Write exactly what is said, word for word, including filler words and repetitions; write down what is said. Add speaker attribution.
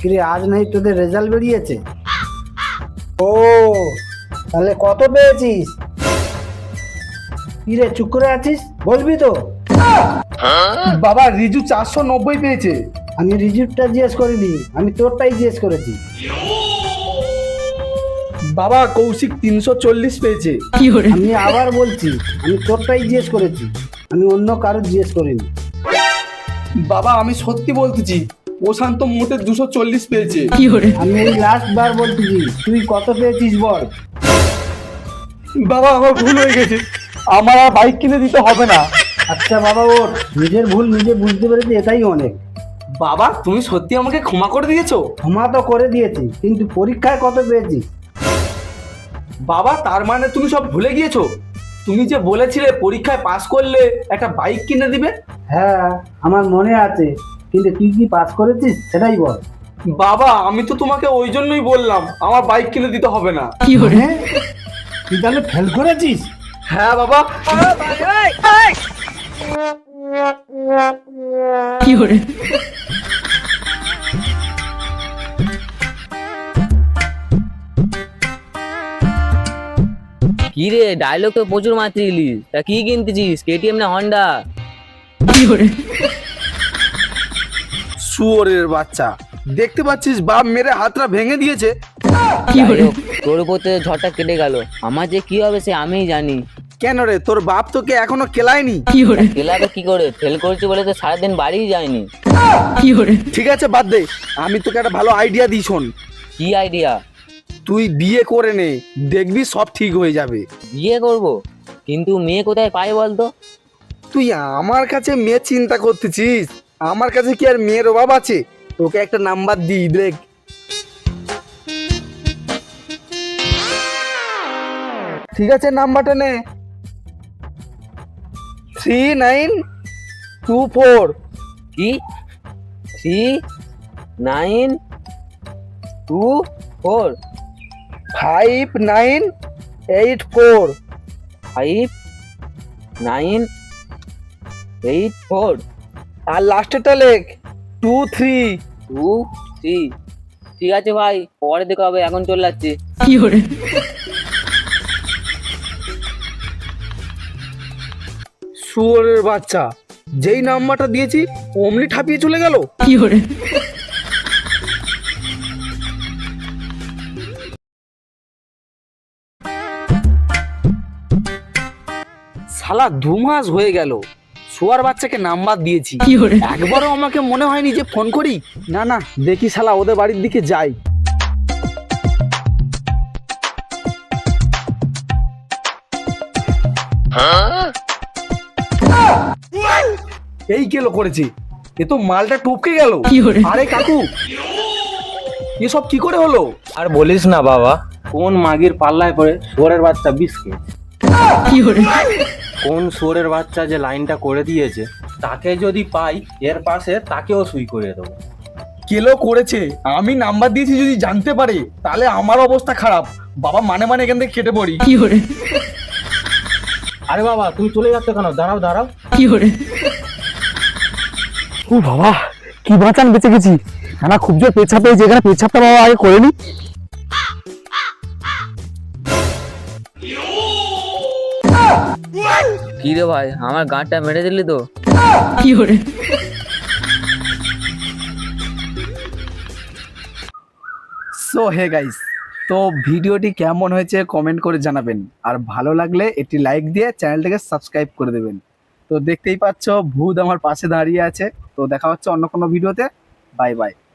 Speaker 1: কিরে আজ নাই তোদের রেজাল্ট বেরিয়েছে? ও তাহলে কত পেয়েছিস? কিরে চুপ করে আছিস, বলবি তো?
Speaker 2: বাবা রিজু চারশো নব্বই পেয়েছে।
Speaker 1: আমি রিজিউটা জিজ্ঞেস করিনি, আমি তোরটাই জিজ্ঞেস করেছি।
Speaker 2: বাবা কৌশিক তিনশো চল্লিশ পেয়েছে।
Speaker 1: আমি আবার বলছি, আমি তোরটাই জিজ্ঞেস করেছি, আমি অন্য কারো জিজ্ঞেস করিনি।
Speaker 2: বাবা আমি সত্যি বলতেছি, প্রশান্ত মোটে দুশো চল্লিশ পেয়েছে।
Speaker 1: আমি এই লাস্ট বার বলতেছি, তুই কত পেয়েছিস বল।
Speaker 2: বাবা আমার ভুল হয়ে গেছে, আমার আর বাইক কিনে দিতে হবে না।
Speaker 1: আচ্ছা বাবা ওর নিজের ভুল নিজে বুঝতে পেরেছি, এটাই অনেক।
Speaker 2: বাবা তুমি সত্যি আমাকে ক্ষমা করে দিয়েছো?
Speaker 1: ক্ষমা তো করে দিয়েছি, কিন্তু পরীক্ষায় কত পেয়েছিস?
Speaker 2: বাবা তার মানে তুমি সব ভুলে গিয়েছো? তুমি যে বলেছিলে পরীক্ষায় পাস করলে একটা বাইক কিনে দিবে।
Speaker 1: হ্যাঁ আমার মনে আছে, কিন্তু তুই কি পাস করেছিস সেটাই বল।
Speaker 2: বাবা আমি তো তোমাকে ওই জন্যই বললাম আমার বাইক কিনে দিতে হবে না।
Speaker 1: হ্যাঁ? তুই তাহলে ফেল করেছিস?
Speaker 2: হ্যাঁ বাবা।
Speaker 3: কি রে ডায়লগ তো প্রচুর মারছিলি, তা কি কিনতেছিস, কেটিএম না হন্ডা?
Speaker 2: শুয়োরের বাচ্চা, দেখতে পাচ্ছিস বাপ মেরে হাতটা ভেঙে দিয়েছে।
Speaker 3: যাই হোক, তোর উপর তো ঝড়টা কেটে গেল, আমার যে কি হবে সে আমিই জানি।
Speaker 2: কেন রে, তোর বাপ তোকে এখনো কেলায়নি?
Speaker 3: খেলাবে কি করে, ফেল করেছি বলে তো সারাদিন বাড়িই যায়নি।
Speaker 2: ঠিক আছে বাদ দে, আমি তোকে একটা ভালো আইডিয়া দিই, শোন।
Speaker 3: কি আইডিয়া?
Speaker 2: তুই বিয়ে করে নে, দেখবি সব ঠিক হয়ে যাবে।
Speaker 3: বিয়ে করব, কিন্তু মেয়ে কোথায় পাই বলতো?
Speaker 2: তুই আমার কাছে মেয়ে চিন্তা করতেছিস? আমার কাছে কি আর মেয়ের অভাব আছে? তোকে একটা নাম্বার দিই, দেখ। ঠিক আছে নাম্বারটা নে, থ্রি নাইন টু ফোর।
Speaker 3: কি? Three nine two four
Speaker 2: five nine eight four.
Speaker 3: Five nine eight four
Speaker 2: আর লাস্টেরটা লেখ টু থ্রি।
Speaker 3: টু থ্রি ঠিক আছে ভাই, পরে দেখা হবে, এখন চলে যাচ্ছি।
Speaker 2: শুয়োরের বাচ্চা, যেই নাম্বারটা দিয়েছি অমনি ঠাপিয়ে চলে গেল। শালা দু মাস হয়ে গেল শুয়ার বাচ্চাকে নাম্বার দিয়েছি, একবারও আমাকে মনে হয়নি যে ফোন করি। না না, দেখি শালা ওদের বাড়ির দিকে যাই। এই কেলো করেছি, এ তো মালটা টপকে গেল। আরে কাকু, এসব কি করে হলো?
Speaker 4: আর বলিস না বাবা, কোন মাগির পাল্লায় পড়ে শুয়োরের বাচ্চা বিষ খেয়েছে। কোন শুয়োরের বাচ্চা যে লাইনটা করে দিয়েছে, তাকে যদি পাই এর পাশে তাকেও সুই করে দেবো।
Speaker 2: কেলো করেছে, আমি নাম্বার দিয়েছি, যদি জানতে পারে তাহলে আমার অবস্থা খারাপ। বাবা মানে মানে এখান থেকে কেটে পড়ি।
Speaker 4: আরে বাবা তুমি চলে যাচ্ছ কেন? দাঁড়াও দাঁড়াও।
Speaker 2: ও বাবা, কি বাঁচান বেঁচে গেছি। না খুব জোর পেছাপ পেয়েছে, এখানে পেছাপটা বাবা আগে করে নি।
Speaker 3: কি রে ভাই, আমার গাঁটটা মেরে দিলি তো।
Speaker 2: সো হে গাইস, তো ভিডিওটি কেমন হয়েছে কমেন্ট করে জানাবেন, আর ভালো লাগলে একটি লাইক দিয়ে চ্যানেলটাকে সাবস্ক্রাইব করে দেবেন। তো দেখতেই পাচ্ছ ভূত আমার পাশে দাঁড়িয়ে আছে। তো দেখা হচ্ছে অন্য কোনো ভিডিওতে। Bye by.